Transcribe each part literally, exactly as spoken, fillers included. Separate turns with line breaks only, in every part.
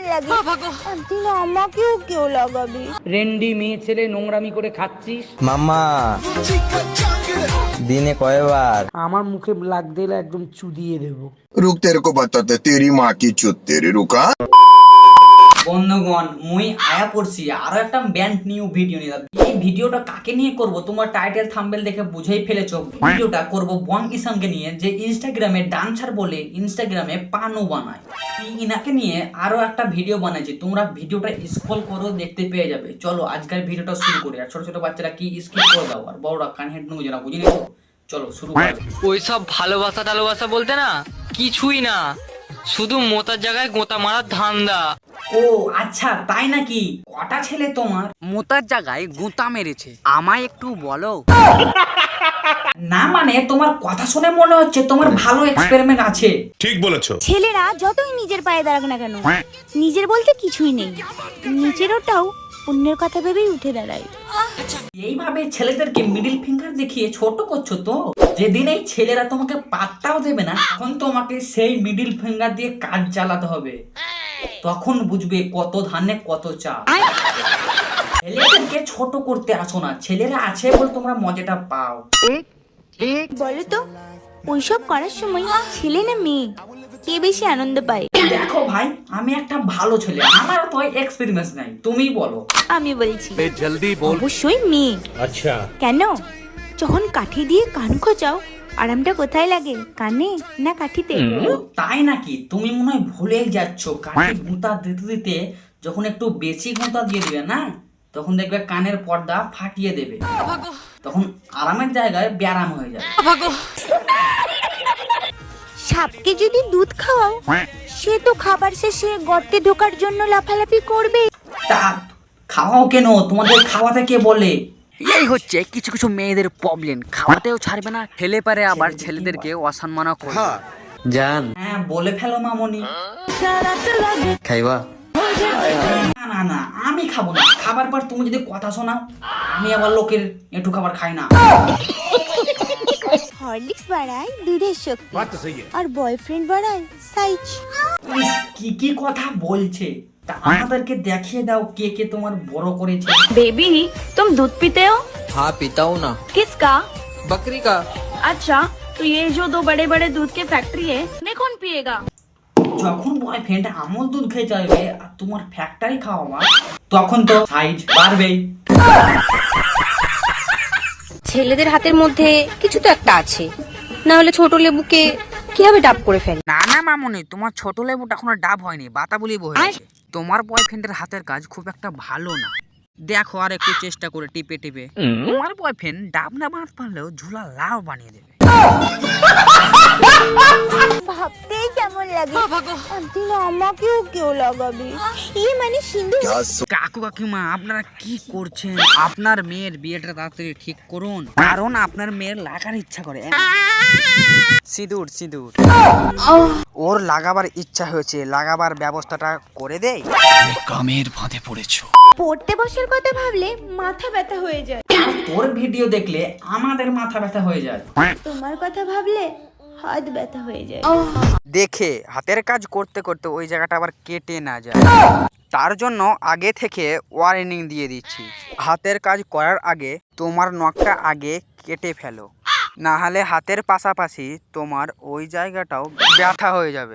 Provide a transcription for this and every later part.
লাগে, একদিন আমাকেও কেউ লাগাবি।
রেন্ডি মেয়ে ছেলে নোংরামি করে খাচ্ছিস।
মাম্মা দিনে কয়বার?
আমার মুখে লাগতে এলে একদম চুদিয়ে দেবো।
रुक तेरे को बताते तेरी माँ की चुत तेरी रुका।
বন্ধুগণ মুই আয়া পড়ছি আরো একটা ব্যান্ড নিউ ভিডিও নিয়ে। এই ভিডিওটা কাকে নিয়ে করব তোমার টাইটেল থাম্বনেল দেখে বুঝেই ফেলেছো। ভিডিওটা করব বং ইসানকে নিয়ে, যে ইনস্টাগ্রামে ডান্সার বলে ইনস্টাগ্রামে পানও বানায়। ইনাকে নিয়ে আরো একটা ভিডিও বানাইছি, তোমরা ভিডিওটা স্ক্রল করো দেখতে পেয়ে যাবে। চলো আজকের ভিডিওটা শুরু করি। আর ছোট ছোট বাচ্চারা কি স্কিপ করে দাও, আর বড়রা কান হেড নুজে না, বুঝিনি তো। চলো শুরু করি।
ওইসব ভালোবাসা টালোবাসা বলতে না কিছুই না, শুধু মোতার জায়গায় গোতা মারার ধান্দা।
ও আচ্ছা তাই নাকি? কটা ছেলে তোমার?
মোতার জায়গায় গুঁতা মেরেছে, আমায় একটু বলো।
না মানে তোমার কথা শুনে মনে হচ্ছে তোমার ভালো এক্সপেরিমেন্ট আছে।
ঠিক বলেছো।
ছেলেরা যতই নিজের পায়ে দাঁড়াক না কেন, নিজের বলতে কিছুই নেই, নিজের ওটাও অন্যের কথা ভেবেই উঠে দাঁড়ায়।
এইভাবে ছেলেদেরকে মিডিল ফিঙ্গার দেখিয়ে ছোট করছো তো, যেদিন এই ছেলেরা তোমাকে পাত্তাও দেবে না, তখন তোমাকে সেই মিডিল ফিঙ্গার দিয়ে কাজ চালাতে হবে। তখন বুঝবে কত ধানে কত চাল। ছেলেদেরকে ছোট করতে আসো না, ছেলেরা আছে বলে তোমরা মজাটা পাও।
বলো তো ওইসব করার সময় ছেলে না মেয়ে কে বেশি আনন্দ পায়?
দেখো ভাই, আমি একটা ভালো ছেলে, আমার তো এক্সপেরিয়েন্স নাই, তুমি বলো।
আমি বলছি অবশ্যই মেয়ে। আচ্ছা কেন? যখন কাঠি দিয়ে কান খোঁচাও আরামটা কোথায় লাগে, কানে না কাঠিতে?
ও তাই নাকি? তুমি মনে হয় ভুলে যাচ্ছ, কানে গুঁতা দিতে দিতে যখন একটু বেশি গুঁতা দিয়ে দিবে না, তখন দেখবে কানের পর্দা ফাটিয়ে দেবে, তখন আরামের জায়গায় ব্যারাম হয়ে যাবে।
সাপকে যদি দুধ খাওয়াও, সে তো খাবার শেষে গর্তে ঢোকার জন্য লাফালাফি করবে।
তা খাওয়াও কেন? তোমাদের খাওয়াতে কে বলে?
এই হচ্ছে কিছু কিছু মেয়েদের প্রবলেম, খাওয়াতেও ছাড়বে না, ঠেলে পারে আবার ছেলেদেরকে অসম্মানও করবে।
জান
হ্যাঁ বলে ফেলো মামনি।
খাইবা?
না না না, আমি খাবো না। খাবার পর তুমি যদি কথা শোনাও, আমি আবার লোকের একটু খাবার খাই না।
হরলিক্স বাড়ায় দুধের শক্তি, আর বয়ফ্রেন্ড বাড়ায় সাইজ।
ইস, কি কি কথা বলছে। তা আমাদেরকে দেখিয়ে দাও কে কে তোমার বড় করেছে।
बेबी तुम दूध पीते हो?
हाँ पीता हूँ ना।
किसका?
बकरी का।
अच्छा तो ये जो दो बड़े बड़े दूध के फैक्ट्री है, इन्हें कौन पिएगा?
যখন বয়ফ্রেন্ড আমল দুধ খেয়ে যাবে আর তোমার ফ্যাক্টরি খাওয়াবা, তখন তো সাইজ বাড়বেই।
ছেলেদের হাতের মধ্যে কিছু তো একটা আছে, না হলে ছোট লেবুকে কিভাবে ডাব করে ফেলে?
না না মামুনি, তোমার ছোট লেবুটা এখনো ডাব হয়নি, বাতাবুলি হয়েছে। তোমার বয়ফ্রেন্ডের হাতের কাজ খুব একটা ভালো না, দেখো আর একটু চেষ্টা করে টিপে টিপে তোমার বয়ফ্রেন্ড ডাব না বানাতে পারলেও ঝুলা লাউ বানিয়ে দেবে।
ভাবতেই কেমন লাগে, একদিন আমাকেও কেউ লাগাবি। ইয়ে মানে সিন্ধু।
কাকু কাকিমা আপনারা কি করছেন? আপনার মেয়ের বিয়েটা তাড়াতাড়ি ঠিক করুন, কারণ আপনার মেয়ের লাগার ইচ্ছা করে। সিঁদুর সিঁদুর ওর লাগাবার ইচ্ছা হয়েছে, লাগাবার ব্যবস্থাটা করে দেই।
কামের ফাঁদে পড়েছো।
পড়তে বসার কথা ভাবলে মাথা ব্যথা হয়ে যায়,
তোর ভিডিও দেখলে আমাদের মাথা ব্যথা হয়ে যায়।
তোমার কথা ভাবলে হাত ব্যথা হয়ে যায়।
দেখে হাতের কাজ করতে করতে ওই জায়গাটা আবার কেটে না যায়, তার জন্য আগে থেকে ওয়ার্নিং দিয়ে দিচ্ছি। হাতের কাজ করার আগে তোমার নখটা আগে কেটে ফেলো, না হলে হাতের পাশাপাশি তোমার ওই জায়গাটাও ব্যথা হয়ে যাবে।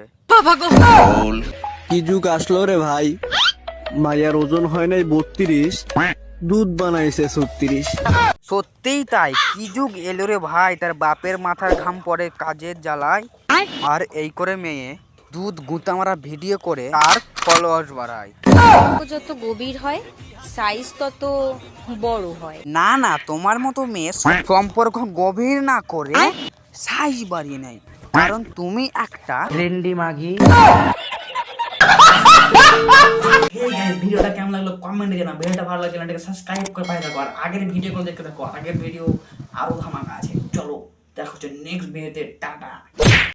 কি যুগ আসলো রে ভাই, মায়ের ওজন হয় নাই বত্রিশ, দুধ বানাইছে ছত্রিশ।
সত্যিই তাই, কি যুগ এলো রে ভাই, তার বাপের মাথার ঘাম পড়ে কাজের জ্বালায়, আর এই করে মেয়ে দুধ গুঁতা মারা ভিডিও করে আর ফলোয়ার্স বাড়ায়।
যত গভীর হয় সাইজ তত বড় হয়।
না না, তোমার মতো মেয়ে সম্পর্ক গভীর না করে সাইজ বাড়িয়ে নেয়, কারণ তুমি একটা
রেন্ডি মাগি। ভিডিওটা কেমন লাগলো কমেন্টে জানাও। ভিডিওটা ভালো লাগলে চ্যানেলটাকে সাবস্ক্রাইব করে পাশে থাকো, আর আগের ভিডিওগুলো দেখতে থাকো। আগের ভিডিও আরো ধামাকা আছে। চলো দেখা হচ্ছে নেক্সট ভিডিওতে। টাটা।